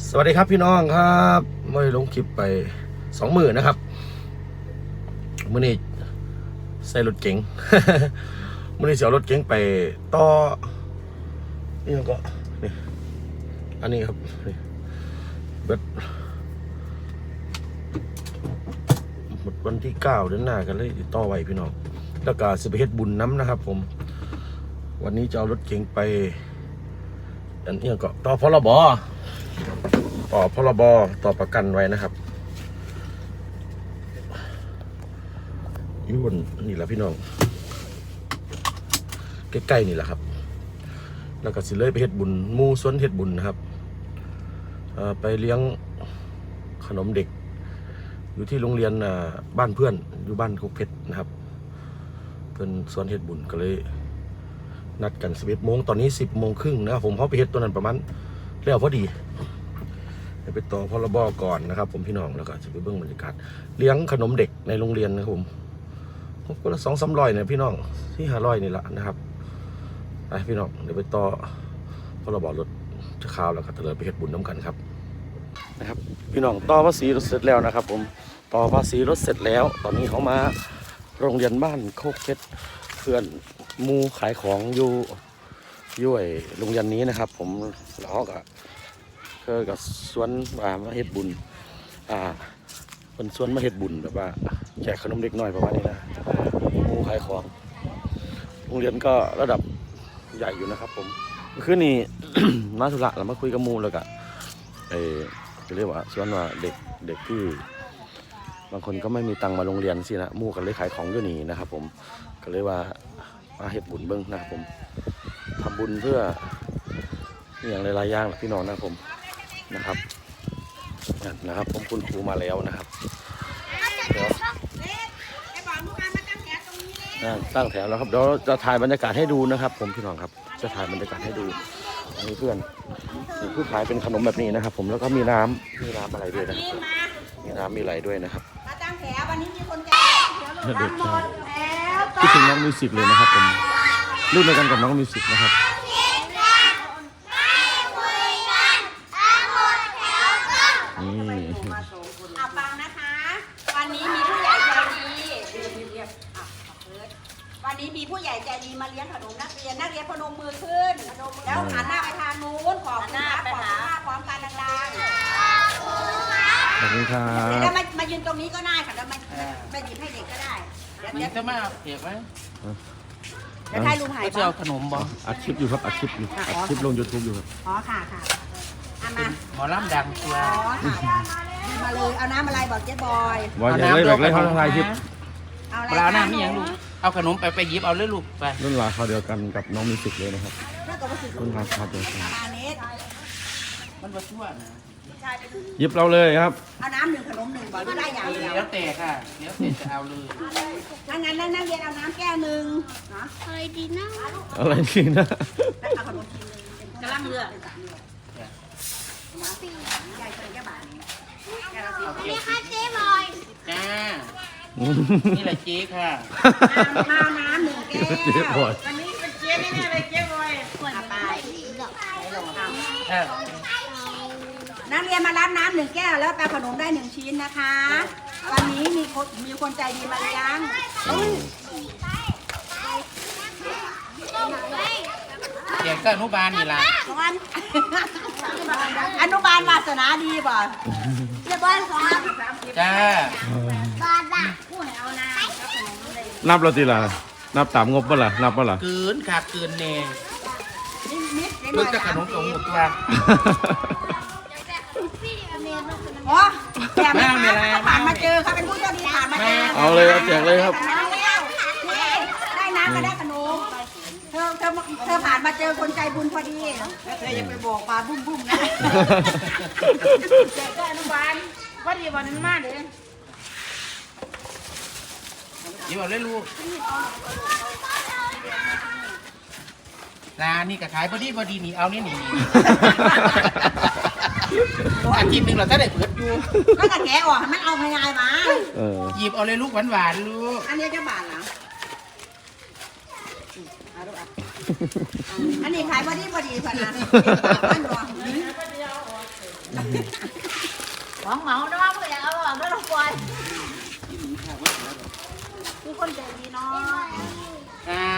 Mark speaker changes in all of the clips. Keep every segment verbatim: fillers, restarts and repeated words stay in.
Speaker 1: สวัสดีครับพี่น้องครับไม่ลงคลิปไปสองหมื่นนะครับมื่อนี้ใส่รถเก๋ง มื่อนี้เสียรถเก๋งไปต่อนี่ก็นี่อันนี้ครับนี่เบิดหมดวันที่เก้าเดือนหน้ากันเลยต่อไว้พี่น้องแล้วก็สิไปเฮ็ดบุญน้ำนะครับผมวันนี้จะเอารถเก๋งไปอันนี้ก็ต่อพรบต่อพรบต่อประกันไว้นะครับยุ่นนี่แหละพี่น้องใกล้ๆนี่แหละครับแล้วก็สิเลยไปเฮ็ดบุญมูสวนเฮ็ดบุญนะครับไปเลี้ยงขนมเด็กอยู่ที่โรงเรียนบ้านเพื่อนอยู่บ้านโคกเพชรนะครับเพื่อนสวนเฮ็ดบุญก็เลยนัดกันสิบเอ็ดโมงตอนนี้สิบโมงครึ่งนะครับผมเขาไปเฮ็ดตัวนั้นประมาณแล้วพอดีไปต่อพรบก่อนนะครับผมพี่น้องแล้วก็จะไปเบื้องบรรยากาศเลี้ยงขนมเด็กในโรงเรียนนะครับผมก็ละสองสามร้อยเนี่ยพี่น้องที่ห้าร้อยนี่แหละนะครับไปพี่น้องเดี๋ยวไปต่อพรบรถจะข่าวแล้วก็เตลิดไปเฮ็ดบุญน้ำกันครับนะครับพี่น้องต่อภาษีรถเสร็จแล้วนะครับผมต่อภาษีรถเสร็จแล้วตอนนี้เขามาโรงเรียนบ้านโคกเพชรเพื่อนมูขายของอยู่ย่วยโรงเรียนนี้นะครับผมแล้วก็เพื่อกับสวนมาเฮ็ดบุญอ่าเป็นสวนมาเฮ็ดบุญแบบว่าแจกขนมเด็กน้อยประมาณนี้นะมูขายของโรงเรียนก็ระดับใหญ่อยู่นะครับผมคือนี่ มาสุระเรามาคุยกับมูแล้วก็เออจะเรียกว่าสวนว่าเด็กเด็กที่บางคนก็ไม่มีตังมาโรงเรียนสินะมูกันเลยขายของอยู่นี่นะครับผมก็เลยว่ามาเฮ็ดบุญเบิ้งนะครับผมทำบุญเพื่ออย่างหลายๆอย่างแหละพี่น้องนะครับผมนะครับนะครับผมคุณครูมาแล้วนะครับเดี๋ยวตั้งแถวแล้วครับเดี๋ยวจะถ่ายบรรยากาศให้ดูนะครับผมพี่น้องครับจะถ่ายบรรยากาศให้ดูมีเพื่อนมีผู้ขายเป็นขนมแบบนี้นะครับผมแล้วก็มีน้ำมีน้ำอะไรด้วยนะมีน้ำมีอะไรด้วยนะครับ
Speaker 2: มาตั้งแถววันนี้มีคนแจก
Speaker 1: เด็กคิดถึงน้องมิวสิกเลยนะครับผมรุ่นเดียวกันกับน้องมิวสิกนะครับนี่
Speaker 2: เอาฟังนะคะวันนี้มีผู้ใหญ่ใจดีวันนี้มีผู้ใหญ่ใจดีมาเลี้ยงขนมนักเรียนนักเรียนพนมมือขึ้นแล้วหันหน้าไปทางนู้นขอบหน้าไปหาพร้อมกันดังๆ
Speaker 1: ขอบคุณครับ
Speaker 2: เดี๋ยวมามายืนตรงนี้ก็ได้ค่ะแล้วมามาหยิบให้เด็กก็ได้
Speaker 3: เดี๋ยวจะมาเก็บไว้
Speaker 2: เดี๋ยวให้ลุงหาย
Speaker 3: จะเอาขนมบ่
Speaker 1: อัดคลิปอยู่ครับอัดคลิปอยู่อัดคลิปลง ยูทูบ อยู่ครับ
Speaker 2: อ๋อค่ะค่ะเอามา
Speaker 3: หมอลำดังตัว
Speaker 2: อ๋อค่ะมาเลยเอาน้ำอะไรบอกเจ๊บอย
Speaker 1: บอยเลยแบบเลยเขาทายคลิป
Speaker 2: เอาอะไร
Speaker 3: ปลาหน้ามีอย่างลูกเอาขนมไปไปหยิบเอาเลยลูกไป
Speaker 1: รุ่นราวเขาเดียวกันกับน้องมิวสิกเลยนะครับรุ่นราวเขาเดียวกัน
Speaker 3: มันมาชั่วนะ
Speaker 1: หยิบเราเลยครับ
Speaker 2: เอาน้ำหนึ่งขนมหนึ่งบอกได้อย่างเดียว
Speaker 3: เดี๋ยวแต่ค่ะเดี๋ยวแต่จะเอาเลย
Speaker 2: ถ้างั้นนักเรียนเอาน้ำแก้วหนึ่งเนาะ
Speaker 4: อะไรดีนะ
Speaker 1: อะไรดีนะ
Speaker 2: แล้วเอาขนมกินเลยกำลังเลือกใหญ่เกินแค่บาทนี้แค่ละสิบ
Speaker 4: นี่ค่ะเจ๊บอย
Speaker 3: จ้านี่แหละเจ๊ค่ะ
Speaker 2: ข้าวน้ำหนึ่งแก้ว
Speaker 1: เจ๊บอย
Speaker 2: วันนี้เป็นเจ๊แน่ๆเลยเจ๊บอยปวดไปนักเรียนมารับน้ำหนึ่งแก้วแล้วแปลขนมได้หนึ่งชิ้นนะคะวันนี้มีคนมีคนใจดีมาเลี้ยง
Speaker 3: เด็กก็อนุบาลนี่ล่ะ
Speaker 2: อนุบาลวาสนาดีป่ะเจ๊บอยสอน
Speaker 3: จ้า
Speaker 4: บาดา
Speaker 2: ผู้ให้เอาน้ำ
Speaker 1: นับเราทีละนับตามงบป่ะล่ะนับป่ะล่ะ
Speaker 3: เกินขาดเกินเน่เพิ่งจะขนมของหมดตัว
Speaker 2: โอ้แจกไม่ผ่านมาเจอเขาเป็นผู้โชคดีผ่านมาเจอ
Speaker 1: เอาเลยครับแจกเลยครับ
Speaker 2: ได้น้ำก็ได้ขนมเธอเธอเธอผ่านมาเจอคนใจบุญพอดีเธอยังไปบอกปลาบุ้มบุ้มนะแจกก็อนุบาลว่าดีวันนั้นมากเลย
Speaker 3: ยิ้มเอาเลยลูกร้านนี่ก็ขายพอดีพอดีนี่เอานี่นี่อาทิตย์หนึ่งเราถ้าได้เปิดอยู่
Speaker 2: ก็จะแกะออกมันเอาง่ายๆมา
Speaker 3: หยิบเอาเลยลูกหวานหวานลูก
Speaker 2: อันนี้จะบาทเหรออันนี้ขายพอดีพอดีพอดีบ้านรองหวังเหมาเนาะเพื่ออยากเอาออกแล้วลงปล่อยผู้คนใจดีเนาะ
Speaker 3: ครับ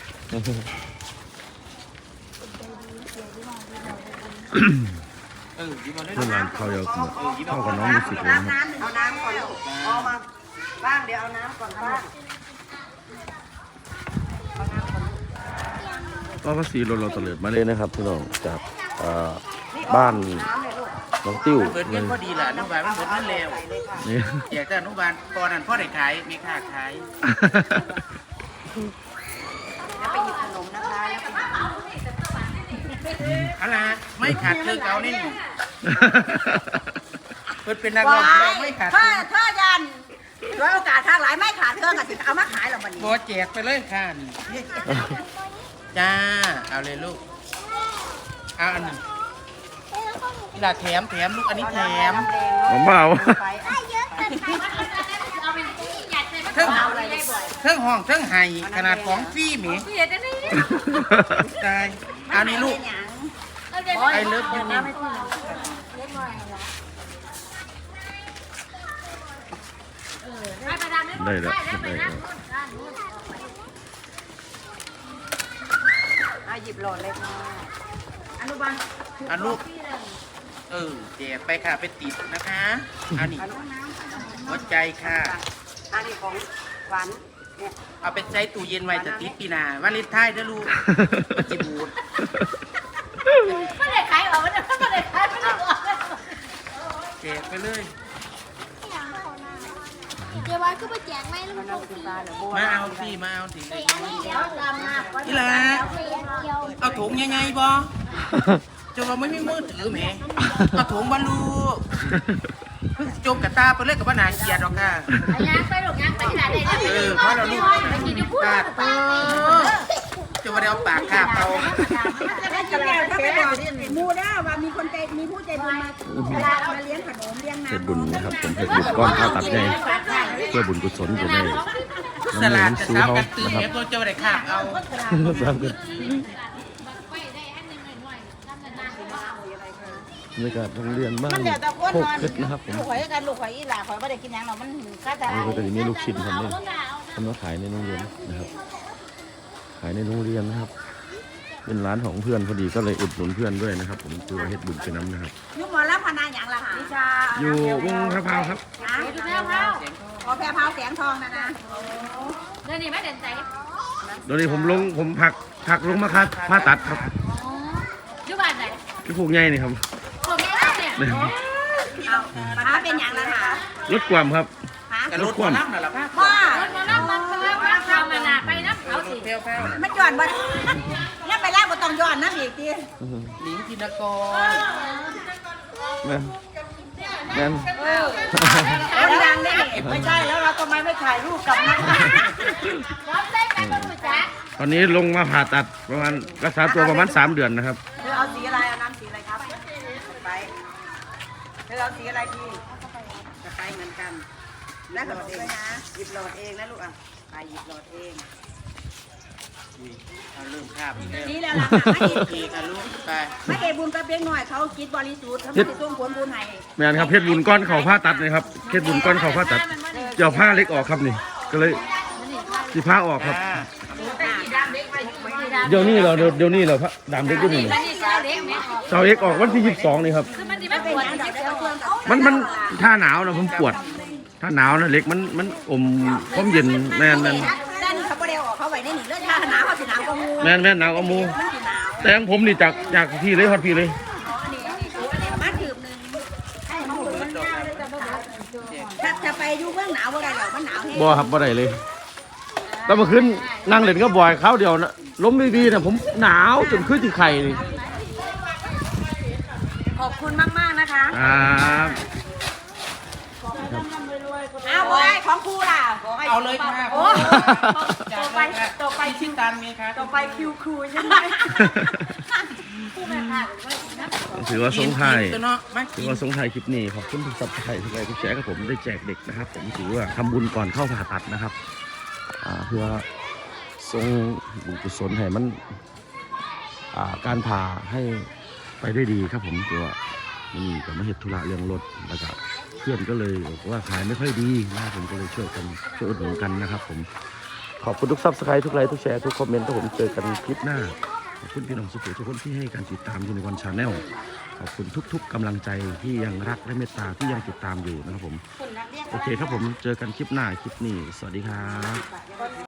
Speaker 3: เออยิ้มมาได้
Speaker 1: เพื่อนร้านข้าวเดียวเข้ากับน้องมิวสิกเลยนะครับ
Speaker 2: น้ำเอาน้ำก่อนลูกเอามาบ้างเดี๋ยวเอาน้ำก่อนบ้าง
Speaker 1: ก็ภาษีรถเราตะเลิดมาเลยนะครับพี่น้องจากเอ่อบ้านน้องติ้ว
Speaker 3: เปิด
Speaker 1: เล
Speaker 3: เงิน
Speaker 1: ย
Speaker 3: พอดีแหละอนุบาลมันเปิดเงินเร็ว
Speaker 1: นี่
Speaker 3: อยากจะอนุบาลตอนนั้นพ่อได้ขายมีค่าขาย
Speaker 2: แล้วไปหยิบขนมนะคะแล้วไปหยิบ
Speaker 3: อะไรไม่ขาดเธอเก่านี่เปิดเป็นนักร้องไม่ขาด
Speaker 2: ถ้าถ้ายันร้อยโอกาสทางหลายไม่ขาดเธอกับสิเอามาขายหรอกวันนี้
Speaker 3: บอแจกไปเลยค่ะนี่จ้าเอาเลยลูกเอาอันหนึ่งนี่ละแถมแถมลูกอันนี้แถม
Speaker 1: ผมเปล่า
Speaker 3: เทิงเทิงห้องเทิงไห้ขนาดของฟรีหมีตายเอานี่ลูกไอเลิฟยูนี่
Speaker 1: ได้แล้วได้แล้ว
Speaker 2: อ่ะหยิบหลอดเลยค่ะอนุบาล
Speaker 3: เอาลูกเออแจกไปค่ะไปติดนะคะเอานี่หัวใจค่ะ
Speaker 2: อันนี้ของหวานเนี่ย
Speaker 3: เอาไปใช้ตู้เย็นไว้จะติดปีหนาวันเลนไทน์นะลูกมันจิบูด
Speaker 2: ไม่ได้ขายหรอกไม่ได้ไม่ได้ขายไม่ได้ออก
Speaker 3: แจกไปเลย
Speaker 4: เดี๋ยวไว้ก็ไปแจกไม่ลูกโป่งสี
Speaker 3: มาเอาสิมาเอาสิ
Speaker 4: อันนี้เดี๋ยวดำมาก
Speaker 3: นี่แหละ
Speaker 4: เดียว
Speaker 3: เอาถุงยังไงบ่จะว่าไม่มีมือถือแหมเอาถุงบรรลุเพิ่งจมกับตาไปเลยกับว่านาเกียดหรอกค่ะ
Speaker 4: ย่างไปลูกย่างไปที่ไหนได้
Speaker 3: เออเพราะเราลูกปากเออจะมาได้เอาปากคาบเอา
Speaker 2: แล้วจะแล้วถ้าไปบอกมูด้าว่ามีคนใจมีผู้ใจบุญมามาเลี้ยงขนมเลี้ยง
Speaker 1: เพชร
Speaker 2: น้ำ
Speaker 1: บุญนะครับผมเพชรบุญก้อนข้าวตัดใหญ่เพื่อบุญกุศลอยู่ใน
Speaker 3: ส
Speaker 1: น้ำ
Speaker 3: ลั
Speaker 1: เลี้ย
Speaker 3: ด
Speaker 1: ง
Speaker 3: จะ
Speaker 1: ซู
Speaker 3: สาว
Speaker 1: เขา
Speaker 3: กันตี
Speaker 1: นะครับ
Speaker 3: เอฟเราจะมาได้คาบเอา
Speaker 1: สามกันบรรยากาศโรงเรียนบ้านโคกเพชรนะครับผม
Speaker 2: ลูกข่อยกันลูกข่อยอีหล่าข่อยไม่ได้กินยังหรอกมันก็จะ
Speaker 1: นี่ก็จะมีลูกชิ้นทำเนี่ยทำมาขายในโรงเรียนนะครับ ขายในโรงเรียนนะครับ เป็นร้านของเพื่อนพอดีก็เลยอุดหนุนเพื่อนด้วยนะครับ ผมตัวเฮ็ดบุญไปน้ำนะครับ
Speaker 2: ยุหมอรับพนาอย่างละค่ะวิชา
Speaker 1: อยู่วงพระพราวครับ
Speaker 2: นะแพรพาวขอแพรพาวแสงทองนะนะ
Speaker 4: เดี๋ยวนี้ไม่เด่นใจ
Speaker 1: โดยนี้ผมลงผมผักผักลงมาคัดผ่าตัดครับ
Speaker 4: อยู่บ้านไหน
Speaker 1: ที่ผูกใหญ่นี่ครับ
Speaker 4: ผมไม่ได้เนี่ย
Speaker 1: เนี่ย
Speaker 2: เอาพาเป็นอย่างละค่ะ
Speaker 1: รถความครับ
Speaker 2: ฮะ
Speaker 3: กระโดดหัวน้ำน่ะล่ะค่ะ
Speaker 2: ว่า
Speaker 4: มานั่งมันมานั่งมันทำมานาไปน้ำเขาสิ
Speaker 3: เที่ยวแพ้ว
Speaker 2: มันย้อนบ่แล้วไปแล้วบ่ต้องย้อนนะอีกที
Speaker 3: หลิงธินกร
Speaker 1: นั่นนั่น
Speaker 2: แล้วดังได้ไม่ใช่แล้วเราทำไมไม่ถ่ายรูปกับนัก
Speaker 4: ร้องเต้นกันบนหัวใจ
Speaker 1: ตอนนี้ลงมาผ่าตัดประมาณรักษาตัวประมาณสามเดือนนะครับ
Speaker 2: เธอเอาสีอะไรเอาน้ำสีอะไรครับไปเธอเอาสีอะไรพี่จะไปเหมือนกันแล้วหลอดเองนะหยิบหลอดเองนะลูกอ่ะไปหยิบหลอดเอง
Speaker 3: เอาเริ่มคาบ
Speaker 2: นี่แล้วล่ะไม่เห็น
Speaker 3: อีกอ่ะลูกไป
Speaker 2: ไม่เห็นบุญกระเพียงหน่อยเขาคิดบริสุทธิ์เขาไม่ได้ส่งผลบุญให้
Speaker 1: แม่นครับเพชรบุญก้อนเข่าผ่าตัดเลยครับเพชรบุญก้อนเข่าผ่าตัดเจ้าผ้าเล็กออกครับนี่ ก็เลยสีผ้าออกครับ
Speaker 3: จ้า
Speaker 1: เดี๋ยวนี้เราเดี๋ยวเดี๋ยวนี้เราพระดามเล็กก็มี
Speaker 4: แล้วนี่สาวเด็กแม่
Speaker 1: เสาเอกออกวันที่ยี่สิบสองนี่ครับ
Speaker 4: คือมันดีมันปวด
Speaker 1: มันมันถ้าหนาวนะผมปวด ถ้าหนาวนะเล็กมันมันอมความเย็นแม่นแม่น
Speaker 2: ด้านนี้เขาไม่ได้ออกเขาไว้ในหนีเลือดชาหนาวเขาสิหนาวก็งู
Speaker 1: แม่นแม่นหนาวก็มู
Speaker 2: มันสิหนาว
Speaker 1: แต่ของผมนี่จากจากพี่เลยฮอดพี่เลย
Speaker 2: อันนี้อันนี้สูอันนี้ประมาณถืบหนึ่งให้มันหมุนมันยาวเลยจะบ่หนาวถ้าจะไปอยู่เมืองหนาวบ่ได้หรอกมันหนาวแห้ง
Speaker 1: บ่ครับบ่ได้เลยแล้วเมื่อคืนนั่งเล่นก็บ่อยคราวเดียวนะล้มดีๆนะผมหนาวจนขึ้นที่ไข่นี่
Speaker 2: ขอบคุณมากๆนะคะ
Speaker 1: ครับ
Speaker 2: อ้าวบอยของครูล่ะ
Speaker 3: เอาเลยค่ะ
Speaker 2: โอ้
Speaker 3: ต่อไปต่อไปชิ้นตันมีค่ะ
Speaker 2: ต่อไปคิวครูใช่ไหม
Speaker 1: ถือว่าสงท้าย
Speaker 3: ตัวเนาะมา
Speaker 1: ถื
Speaker 3: กิ
Speaker 1: อน ว่าสงท้ายคลิปนี้ขอบคุณทุกสับไทยทุกไลค์ทุกแชร์กับผมได้แจกเด็กนะครับ ผมถือว่าทำบุญก่อนเข้าผ่าตัดนะครับอ่าเพื่อทรงบุญกุศลให้มันอ่าการผ่าให้ไปได้ดีครับผมถือว่ามันนี่ก็มาเฮ็ดธุระเรื่องรถแล้วก็เพื่อนก็เลยบอกว่าขายไม่ค่อยดีนะผมก็เลยช่วยกันช่วยอุดหนุนกันนะครับผมขอบคุณทุกซับสไครต์ทุกไลค์ทุกแชร์ทุกคอมเมนต์ถ้าผมเจอกันคลิปหน้าขอบคุณพี่น้องสุขุมทุกคนที่ให้การติดตามยูนิคอร์นชาแนลขอบคุณทุกๆกำลังใจที่ยังรักและเมตตาที่ยังติดตามอยู่นะครับผมโอเคครับผมเจอกันคลิปหน้าคลิปนี้สวัสดีครับ